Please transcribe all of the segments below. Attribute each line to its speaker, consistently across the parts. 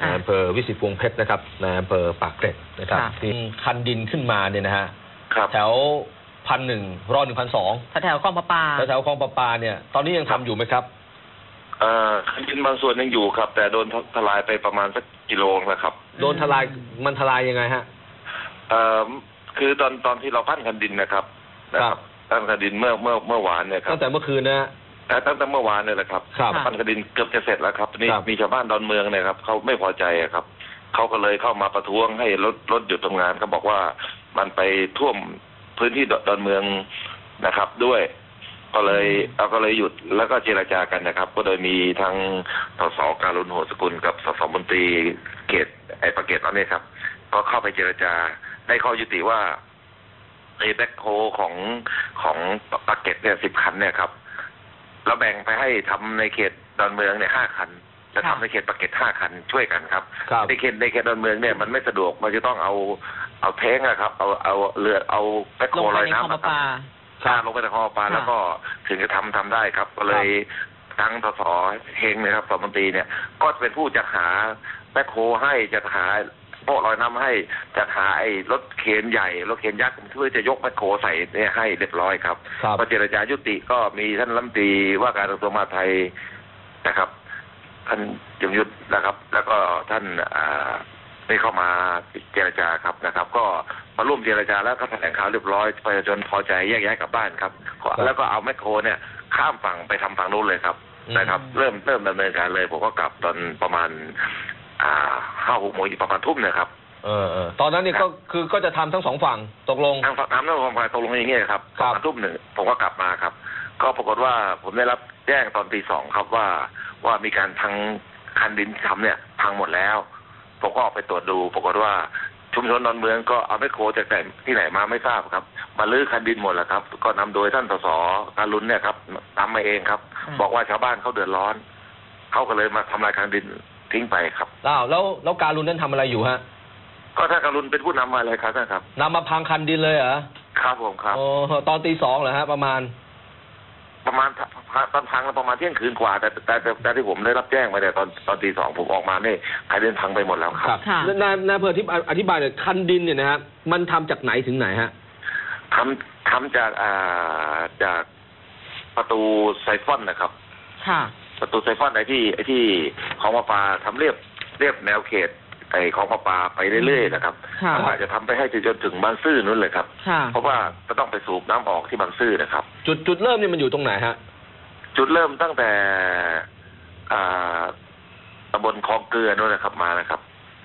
Speaker 1: ในอำเภอวิสิตวงศ์เพชรนะครับในอำเภอปากเกร็ดนะครับที่คันดินขึ้นมาเนี่ยนะฮะแถว1,100 1,200
Speaker 2: แถวคลองประปา
Speaker 1: แถวคลองประปาเนี่ยตอนนี้ยังทำอยู่ไหมครับ
Speaker 3: คันดินบางส่วนยังอยู่ครับแต่โดนทลายไปประมาณสักกิโลนะครับ
Speaker 1: โดนทลายมันทลายยังไงฮะ
Speaker 3: คือตอนที่เราปั้นคันดินนะครับปั้นคันดินเมื่อวานเนี่ยครับ
Speaker 1: ตั้งแต่เมื่อคืนนะ
Speaker 3: ตั้งแต่เมื่อวานเนี่ยแหละครับปั้นคันดินเกือบจะเสร็จแล้วครับนี่มีชาวบ้านดอนเมืองเนี่ยครับเขาไม่พอใจครับเขาก็เลยเข้ามาประท้วงให้รถหยุดทำงานเขาบอกว่ามันไปท่วมพื้นที่ดอนเมืองนะครับด้วยก็เลยหยุดแล้วก็เจรจากันนะครับก็โดยมีทั้งสสการุณโหสกุลกับสสมนตรีเขตปากเกร็ดนั่นเองครับก็เข้าไปเจรจาได้ข้อยุติว่าไอ้แบ็คโฮของปากเกร็ดเนี่ย10 คันเนี่ยครับเราแบ่งไปให้ทำในเขตดอนเมืองเนี่ย5 คันจะทำในเขตปากเกร็ด5 คันช่วยกันครับในเขตดอนเมืองเนี่ยมันไม่สะดวกมันจะต้องเอาแท้งนะครับเอาเรือเอาแบ็คโฮลอยน้ำลงไปในคลองประปาแล้วก็ถึงจะทำได้ครับก็เลยทั้งสสเฮงนะครับสสมนตรีเนี่ยก็เป็นผู้จัดหาแบ็คโฮให้จัดหาโป๊ะลอยน้ำให้จัดหาไอ้รถเข็นใหญ่รถเข็นยักษ์เพื่อจะยกแบ็คโฮใส่เนี่ยให้เรียบร้อยครับพอเจรจายุติก็มีท่านรัฐมนตรีว่าการกระทรวงมหาดไทยนะครับท่านยงยุทธนะครับแล้วก็ท่านได้เข้ามาเจรจาครับนะครับก็มาร่วมเจรจาแล้วก็แถลงข่าวเรียบร้อยประชาชนพอใจแยกย้ายกลับบ้านครับแล้วก็เอาแมคโครเนี่ยข้ามฝั่งไปทำฝั่งนู้นเลยครับนะครับเริ่มดำเนินการเลยผมก็กลับตอนประมาณ5-6 โมงประมาณทุ่มนะครับ
Speaker 1: ตอนนั้นเนี่ยก็จะทำทั้ง2 ฝั่งตกลง
Speaker 3: ทำทั้ง2 ฝั่งตกลงอย่างเงี้ยครับประมาณทุ่ม 1ผมก็กลับมาครับก็ปรากฏว่าผมได้รับแจ้งตอนตี 2ครับว่ามีการพังคันดินทำเนี่ยพังหมดแล้วผมก็ออกไปตรวจดูปรากฏว่าชุมชนดอนเมืองก็เอาแมคโครจากที่ไหนมาไม่ทราบครับมาลื้อคันดินหมดแล้วครับก็นำโดยท่านสสการุณเนี่ยครับทำมาเองครับบอกว่าชาวบ้านเขาเดือดร้อนเขาก็เลยมาทำลายคันดินทิ้งไปครับ
Speaker 1: แล้วการุณนั้นทำอะไรอยู่ฮะ
Speaker 3: ก็ท่านการุณเป็นผู้นำมาเลยครับท่านครับ
Speaker 1: นำมาพังคันดินเลยเหรอ
Speaker 3: ครับผมครับ
Speaker 1: ตอนตี 2เหรอฮะประมาณ
Speaker 3: ตอนพังประมาณเที่ยงคืนกว่าแต่ที่ผมได้รับแจ้งมาเนี่ยตอนตี 2ผมออกมาเนี่ยคันดินพังไปหมดแล้วครับ
Speaker 1: นายอำเภอที่อธิบายเนี่ยคันดินเนี่ยนะฮะมันทำจากไหนถึงไหนฮะ
Speaker 3: ทำจากประตูไซฟอนนะครับประตูไซฟอนไอ้ที่ของประปาทำเรียบแนวเขตไอ้ของประปาไปเรื่อยๆนะครับอาจจะทำไปให้จนถึงบางซื่อนู้นเลยครับเพราะว่าจะต้องไปสูบน้ำออกที่บางซื่อนะครับ
Speaker 1: จุดเริ่มเนี่ยมันอยู่ตรงไหนฮะ
Speaker 3: จุดเริ่มตั้งแต่ตำบลคลองเกลือนู้นนะครับมานะครับ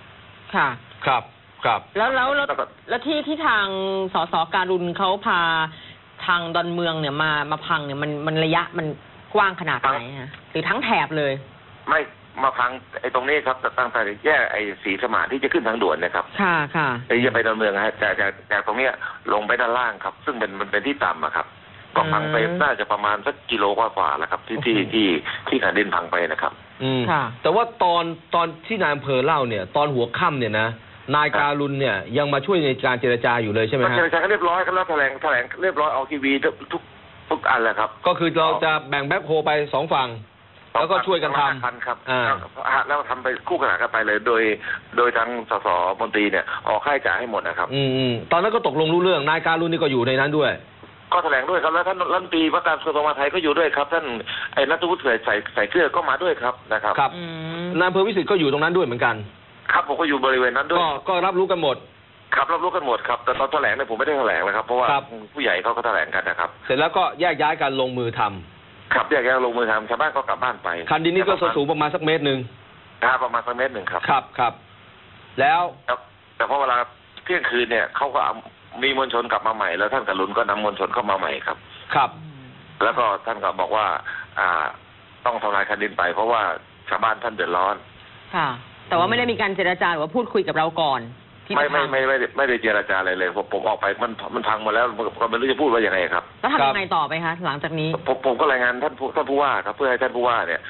Speaker 1: ครับ
Speaker 2: แล้วที่ทางสสการุณเขาพาทางดอนเมืองเนี่ยมาพังเนี่ยมันระยะมันกว้างขนาดไหนฮะหรือทั้งแถบเลย
Speaker 3: ไม่มาพังไอ้ตรงนี้ครับตั้งแต่แยกไอ้ศรีสมานที่จะขึ้นทางด่วนนะครับไอ้จะไปดอนเมืองฮะจากตรงเนี้ยลงไปด้านล่างครับซึ่งมันเป็นที่ต่ำครับก็พังไปน่าจะประมาณสักกิโลกว่าแล้วครับที่คันดินพังไปนะครับ
Speaker 1: แต่ว่าตอนที่นายอำเภอเล่าเนี่ยตอนหัวค่ำเนี่ยนะนายการุณเนี่ยยังมาช่วยในการเจรจาอยู่เลยใช่ไหมฮะ
Speaker 3: เจรจาเรียบร้อยกันแล้วแถลงเรียบร้อยออกทีวีทุกอันแหละครับ
Speaker 1: ก็คือเราจะแบ่งแบ็คโฮไป2 ฝั่งแล้วก็ช่วยกันทำ
Speaker 3: ครับแล้วทำไปคู่ขนานกันไปเลยโดยทางสสมนตรีเนี่ยออกค่าใช้จ่ายให้หมดนะครับ
Speaker 1: ตอนนั้นก็ตกลงรู้เรื่องนายการุณนี่ก็อยู่ในนั้นด้วย
Speaker 3: ก็แถลงด้วยครับแล้วท่านรัฐมนตรีว่าการกระทรวงมหาดไทยก็อยู่ด้วยครับท่านไอ้ณัฐวุฒิใส่เกลือก็มาด้วยครับนะครับ
Speaker 1: นายอำเภอวิสิตก็อยู่ตรงนั้นด้วยเหมือนกัน
Speaker 3: ครับผมก็อยู่บริเวณนั้นด้วย
Speaker 1: ก็รับรู้กันหมด
Speaker 3: ครับรับรู้กันหมดครับแต่ตอนแถลงเนี่ยผมไม่ได้แถลงเลยครับเพราะว่าผู้ใหญ่เขาก็แถลงกันนะครับ
Speaker 1: เสร็จแล้วก็แยกย้ายกันลงมือทำ
Speaker 3: ครับแยกย้ายลงมือทำชาวบ้านก็กลับบ้านไป
Speaker 1: คันดินนี้ก็สูงประมาณสัก1 เมตร
Speaker 3: ประมาณสัก1 เมตรครับ
Speaker 1: ครับแล้ว
Speaker 3: แต่พอเวลาเที่ยงคืนเนี่ยเขาก็มีมวลชนกลับมาใหม่แล้วท่านการุณก็นำมวลชนเข้ามาใหม่ครับแล้วก็ท่านก็บอกว่าต้องทำลายคันดินไปเพราะว่าชาวบ้านท่านเดือดร้อน
Speaker 2: แต่ว่าไม่ได้มีการเจรจาหรือว่าพูดคุยกับเราก่อน
Speaker 3: ไม่ได้เจรจาอะไรเลยผมออกไปมันพังมาแล้วก็ไม่รู้จะพูดว่ายังไงครับ
Speaker 2: แล้วทำยังไงต่อไปคะหลังจากนี้
Speaker 3: ผมก็รายงานท่านผู้ว่าครับเพื่อให้ท่านผู้ว่าเนี่ย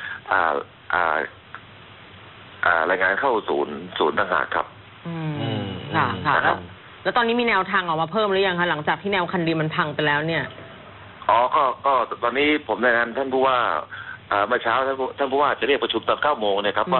Speaker 3: รายงานเข้าศูนย์ต่างหากครับ
Speaker 2: ค่ะแล้วตอนนี้มีแนวทางออกมาเพิ่มหรือยังคะหลังจากที่แนวคันดินมันพังไปแล้วเนี่ย
Speaker 3: ก็ตอนนี้ผมรายงานท่านผู้ว่าเมื่อเช้าท่านผู้ว่าจะเรียกประชุมตอน9 โมงเนี่ยครับว่า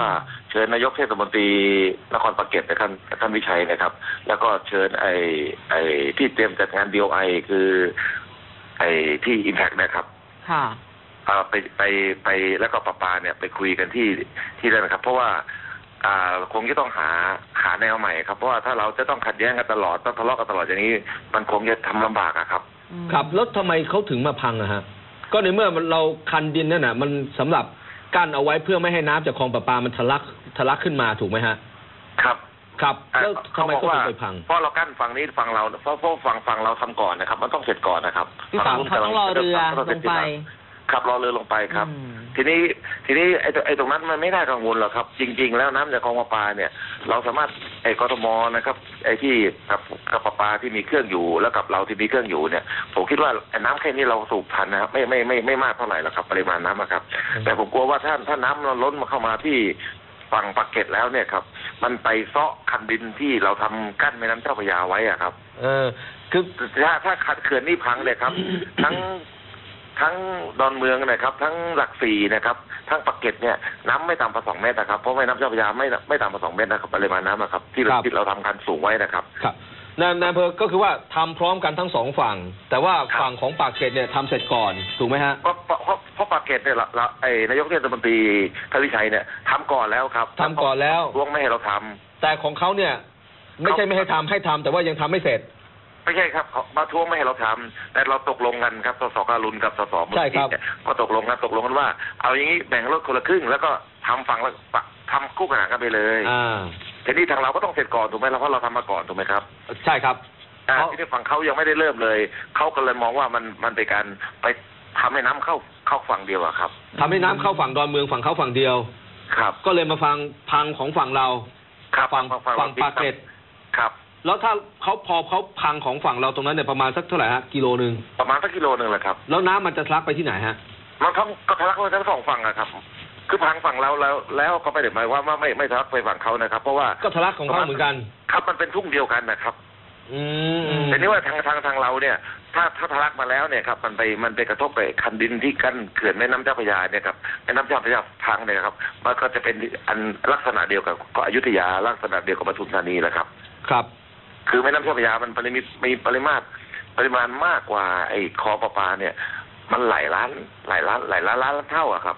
Speaker 3: เชิญนายกเทศมนตรีนครปากเกร็ดนะครับท่านวิชัยนะครับแล้วก็เชิญไอ้ที่เตรียมจัดงาน DOI คือไอ้ที่ Impact นะครับ
Speaker 2: ค่ะ
Speaker 3: ไปแล้วก็ประปาเนี่ยไปคุยกันที่นั่นนะครับเพราะว่าคงจะต้องหาแนวใหม่ครับเพราะว่าถ้าเราจะต้องขัดแย้งกันตลอดต้องทะเลาะกันตลอดอย่างนี้มันคงจะทำลำบากครับ
Speaker 1: ครับแล้วทำไมเขาถึงมาพังอะฮะก็ในเมื่อเราคันดินนั่นน่ะมันสำหรับกั้นเอาไว้เพื่อไม่ให้น้ำจากคลองประปามันทะลักขึ้นมาถูกไหมฮะ
Speaker 3: ครับ
Speaker 1: แล้วทำไมเขาถึงไปพัง
Speaker 3: เพราะเรากั้นฝั่งนี้ฝั่งเราเพราะฝั่งเราทำก่อนนะครับมันต้องเสร็จก่อนนะครับ
Speaker 2: ฝั่งเขาต้องรอเรือลงไป
Speaker 3: ครับรอเรือลงไปครับทีนี้ไอ้ตรงนั้นมันไม่น่ากังวลหรอกครับจริงๆแล้วน้ำจากคลองประปาเนี่ยเราสามารถกทมนะครับไอ้ที่กับประปาที่มีเครื่องอยู่แล้วกับเราที่มีเครื่องอยู่เนี่ยผมคิดว่าน้ำแค่นี้เราสูบทันนะครับไม่มากเท่าไหร่หรอกครับปริมาณน้ำครับแต่ผมกลัวว่าถ้าน้ำล้นมาเข้ามาที่ฝั่งปากเกร็ดแล้วเนี่ยครับมันไปเซาะคันดินที่เราทำกั้นแม่น้ำเจ้าพระยาไว้อะครับ
Speaker 1: คือ
Speaker 3: ถ้าขัดเขื่อนนี่พังเลยครับทั้งดอนเมืองนะครับทั้งหลักสี่นะครับทั้งปากเกร็ดเนี่ยน้ำไม่ต่ำกว่า2 เมตรนะครับเพราะแม่น้ำเจ้าพระยาไม่ต่ำกว่า2 เมตรนะครับปริมาณน้ำนะครับที่เราทำกันสูงไว้นะครับ
Speaker 1: ครับนายอำเภอก็คือว่าทำพร้อมกันทั้ง2 ฝั่งแต่ว่าฝั่งของปากเกร็ดเนี่ยทำเสร็จก่อนถูกไหมฮะ
Speaker 3: เพราะปากเกร็ดเนี่ยนายกเทศมนตรีทวิชัยเนี่ยทำก่อนแล้วครับ
Speaker 1: ทำก่อนแล้ว
Speaker 3: ร่วงไม่ให้เราทำ
Speaker 1: แต่ของเขาเนี่ยไม่ใช่ไม่ให้ทำแต่ว่ายังทำไม่เสร็จ
Speaker 3: ไม่ใช่ครับมาท้วงไม่ให้เราทำแต่เราตกลงกันครับสสการุณกับสสมุนีเนี่ยก็ตกลงกันว่าเอาอย่างนี้แบ่งรถคนละครึ่งแล้วก็ทำฝั่งละทำคู่ขนานกันไปเลยทีนี้ทางเราก็ต้องเสร็จก่อนถูกไหมเพราะเราทำมาก่อนถูกไหมครับ
Speaker 1: ใช่ครับ
Speaker 3: ที่ในฝั่งเขายังไม่ได้เริ่มเลยเขาก็เลยมองว่ามันเป็นการไปทำให้น้ำเข้าฝั่งเดียวอะครับ
Speaker 1: ทำให้น้ำเข้าฝั่งดอนเมืองฝั่งเขาฝั่งเดียว
Speaker 3: ครับ
Speaker 1: ก็เลยมาพังของฝั่งเราฝั่งปากเกร็ด
Speaker 3: ครับ
Speaker 1: แล้วถ้าพอเขาพังของฝั่งเราตรงนั้นเนี่ยประมาณสักเท่าไหร่ฮะกิโลนึง
Speaker 3: ประมาณสักกิโลนึงแหละครับ
Speaker 1: แล้วน้ำมันจะทะลักไปที่ไหนฮะ
Speaker 3: มันก็ทะลักไปทั้ง2 ฝั่งอะครับคือพังฝั่งเราแล้วก็ไม่ได้หมายว่าไม่ทะลักไปฝั่งเขานะครับเพราะว่า
Speaker 1: ก็ทะลักของเขาเหมือนกัน
Speaker 3: ครับมันเป็นทุ่งเดียวกันนะครับแต่นี่ว่าทางเราเนี่ยถ้าทะลักมาแล้วเนี่ยครับมันไปกระทบไปคันดินที่กั้นเขื่อนแม่น้ำเจ้าพระยาเนี่ยครับแม่น้ำเจ้าพระยาพังเนี่ยครับมันก็จะเป็นอันลักษณะเดียวกับก็อยุธยาลักษณะเดียวกับปทุมธานีแหละครับ
Speaker 1: ครับ
Speaker 3: คือแม่น้ำเจ้าพระยามันมีปริมาณมากกว่าไอ้คลองประปาเนี่ยมันหลายล้านเท่าอะครับ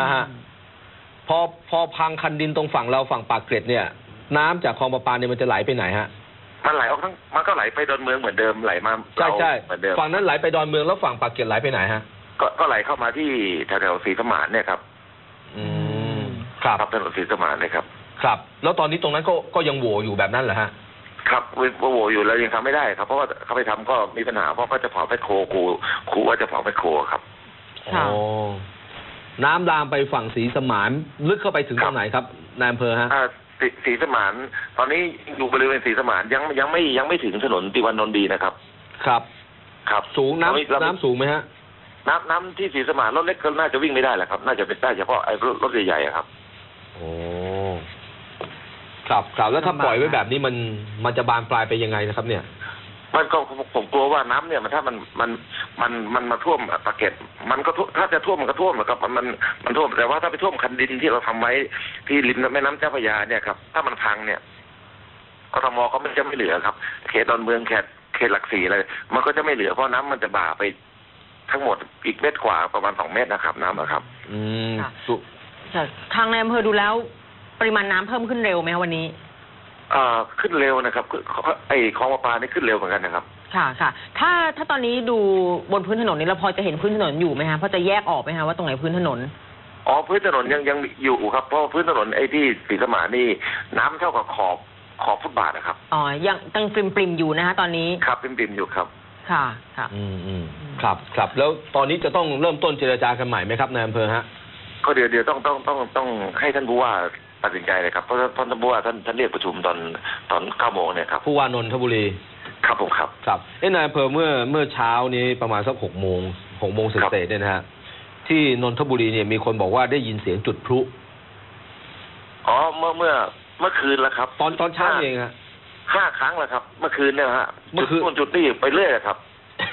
Speaker 1: พอพังคันดินตรงฝั่งเราฝั่งปากเกร็ดเนี่ยน้ำจากคลองประปาเนี่ยมันจะไหลไปไหนฮะ
Speaker 3: มันไหลออกมันก็ไหลไปดอนเมืองเหมือนเดิมไหลมา
Speaker 1: ใช่เหมือนเดิมฝั่งนั้นไหลไปดอนเมืองแล้วฝั่งปากเกร็ดไหลไปไหนฮะ
Speaker 3: ก็ไหลเข้ามาที่แถวศรีสมานเนี่ยครับครับถนนศรีสมานเลยครับ
Speaker 1: ครับแล้วตอนนี้ตรงนั้นก็ยังโหว่อยู่แบบนั้นเหรอฮะ
Speaker 3: ครับโหว่อยู่แล้วยังทำไม่ได้ครับเพราะว่าเขาไปทำก็มีปัญหาเพราะก็จะเผาแมคโครครูว่าจะเผาแมคโครครับ
Speaker 1: น้ำลามไปฝั่งศรีสมานลึกเข้าไปถึงตรงไหนครับนายอำเภอฮะ
Speaker 3: ศรีสมานตอนนี้อยู่บริเวณศรีสมานยังไม่ถึงถนนติวานนท์ดีนะครับครับ
Speaker 1: สูงน้ำสูงไหมฮะ
Speaker 3: น้ำที่ศรีสมานรถเล็กก็น่าจะวิ่งไม่ได้แหละครับน่าจะเป็นได้เฉพาะไอ้รถใหญ่ๆครับ
Speaker 1: โอ้ครับแล้วถ้าปล่อยไว้แบบนี้มันจะบานปลายไปยังไงนะครับเนี่ย
Speaker 3: มันก็ผมกลัวว่าน้ำเนี่ยถ้ามันมาท่วมปากเกร็ดมันก็ถ้าจะท่วมมันก็ท่วมนะครับมันท่วมแต่ว่าถ้าไปท่วมคันดินที่เราทำไว้ที่ริมแม่น้ำเจ้าพระยาเนี่ยครับถ้ามันพังเนี่ยกทมก็จะไม่เหลือครับเขตดอนเมืองเขตหลักสี่อะไรมันก็จะไม่เหลือเพราะน้ำมันจะบ่าไปทั้งหมดอีกเมตรกว่าประมาณ2 เมตรนะครับน้ำนะครับ
Speaker 2: ทางในอำเภอดูแล้วปริมาณน้ำเพิ่มขึ้นเร็วไหมวันนี้
Speaker 3: ขึ้นเร็วนะครับไอ้คลองประปานี่ขึ้นเร็วเหมือนกันนะครับ
Speaker 2: ค่ะถ้าตอนนี้ดูบนพื้นถนนนี้เราพอจะเห็นพื้นถนนอยู่ไหมฮะพอจะแยกออกไหมฮะว่าตรงไหนพื้นถนน
Speaker 3: พื้นถนนยังอยู่ครับเพราะพื้นถนนไอ้ที่ศรีสมานนี่น้ำเท่ากับขอบฟุตบาทนะครับ
Speaker 2: ยังปริมอยู่นะฮะตอนนี้
Speaker 3: ครับปริมอยู่ครับ
Speaker 2: ค่ะ
Speaker 1: ครับแล้วตอนนี้จะต้องเริ่มต้นเจรจากันใหม่ไหมครับนายอำเภอฮะ
Speaker 3: ก็เดี๋ยวต้องให้ท่านผู้ว่าตัดสินใจเลยครับเพราะท่านผู้ว่าท่านเรียกประชุมตอน9 โมงเนี่ยครับ
Speaker 1: ผู้ว่านนทบุรี
Speaker 3: ครับผมครับ
Speaker 1: นายอำเภอเมื่อเช้านี้ประมาณสัก6 โมงเศษเนี่ยนะฮะที่นนทบุรีเนี่ยมีคนบอกว่าได้ยินเสียงจุดพลุ
Speaker 3: เมื่อคืนแล้วครับ
Speaker 1: ตอนเช้าเองฮะ
Speaker 3: 5 ครั้งแล้วครับเมื่อคืนเนี่ยฮะเมื่อคืนจุดนี้ไปเรื่อยครับ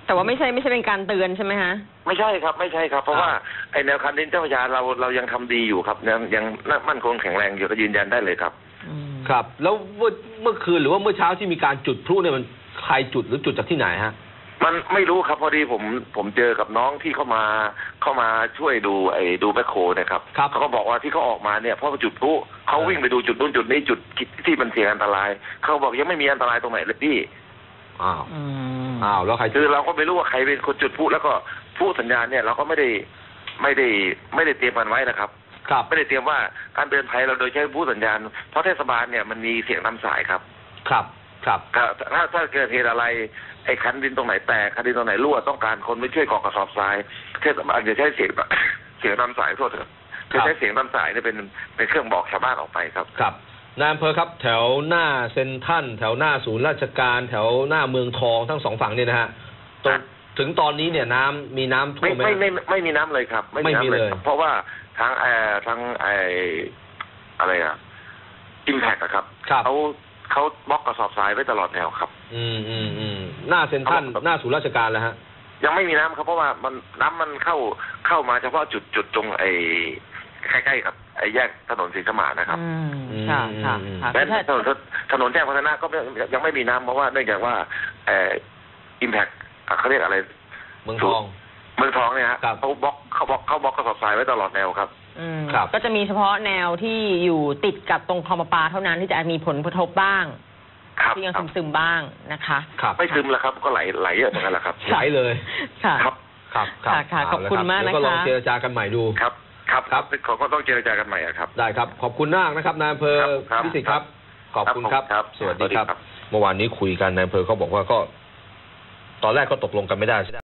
Speaker 2: แต่ว่าไม่ใช่เป็นการเตือนใช่ไหมฮะ
Speaker 3: ไม่ใช่ครับไม่ใช่ครับเพราะว่าไอแนวคันดินเจ้าพระยาเรายังทำดีอยู่ครับยังมั่นคงแข็งแรงอยู่ก็ยืนยันได้เลยครับ
Speaker 1: ครับแล้วเมื่อคืนหรือว่าเมื่อเช้าที่มีการจุดพลุเนี่ยมันใครจุดหรือจุดจากที่ไหนฮะ
Speaker 3: มันไม่รู้ครับพอดีผมเจอกับน้องที่เข้ามาช่วยดูแมคโครนะครับเขาก็บอกว่าที่เขาออกมาเนี่ยเพราะจุดพลุเขาวิ่งไปดูจุดนู้นจุดนี้จุดที่มันเสี่ยงอันตรายเขาบอกยังไม่มีอันตรายตรงไหนเลยพี่
Speaker 1: อ้าวแล้วใคร
Speaker 3: คือเราก็ไม่รู้ว่าใครเป็นคนจุดพลุแล้วก็พลุสัญญาณเนี่ยเราก็ไม่ได้เตรียมมันไว้นะครับไม่ได้เตรียมว่าการเตือนภัยเราโดยใช้พลุสัญญาณเพราะเทศบาลเนี่ยมันมีเสียงนำสายครับถ้าเกิดเหตุอะไรไอ้คันดินตรงไหนแตกคันดินตรงไหนรั่วต้องการคนไม่ช่วยกองกระสอบทรายเทศบาลจะใช้เสียงนำสายโทษเถอะจะใช้เสียงนำสายเนี่ยเป็นเครื่องบอกชาวบ้านออกไปครับ
Speaker 1: นายอำเภอครับแถวหน้าเซ็นทรัลแถวหน้าศูนย์ราชการแถวหน้าเมืองทองทั้งสองฝั่งเนี่ยนะฮะถึงตอนนี้เนี่ยมีน้ำท่วมไหม
Speaker 3: ไม่มีน้ำเลยครับ
Speaker 1: ไม่มีเลย
Speaker 3: เพราะว่าทางอะไรอิมแพคครับเขาบล็อกกระสอบทรายไว้ตลอดแนวครับ
Speaker 1: หน้าเซ็นทรัลหน้าศูนย์ราชการแล้วฮะ
Speaker 3: ยังไม่มีน้ำครับเพราะว่าน้ำมันเข้ามาเฉพาะจุดตรงใกล้ๆกับแยกถนนศรีสมานนะครับและถนนแจ้งวัฒนะก็ยังไม่มีน้ำเพราะว่าเนื่องจากว่าอิมแพคเขาเรียกอะไร
Speaker 1: เมืองทอง
Speaker 3: เนี่ยฮะเขาบล็อกกระสอบทรายไว้ตลอดแนวครับ
Speaker 2: ก็จะมีเฉพาะแนวที่อยู่ติดกับตรงคลองประปาเท่านั้นที่จะมีผลกระทบบ้างที่ยังซึมบ้างนะคะ
Speaker 3: ไม่ซึมแล้วครับก็ไหลเยอะเหมือนกันแหละครับ
Speaker 1: ไหลเลย
Speaker 2: ครับขอบคุณมากนะคะ
Speaker 1: ก็ลองเจรจากันใหม่ดู
Speaker 3: ครับเขาก็ต้องเจรจากันใหม่ครับ
Speaker 1: ได้ครับขอบคุณมากนะครับนายอำเภอพิสิทธิ์ครับขอบคุณครับสวัสดีครับเมื่อวานนี้คุยกันนายอำเภอเขาบอกว่าก็ตอนแรกก็ตกลงกันไม่ได้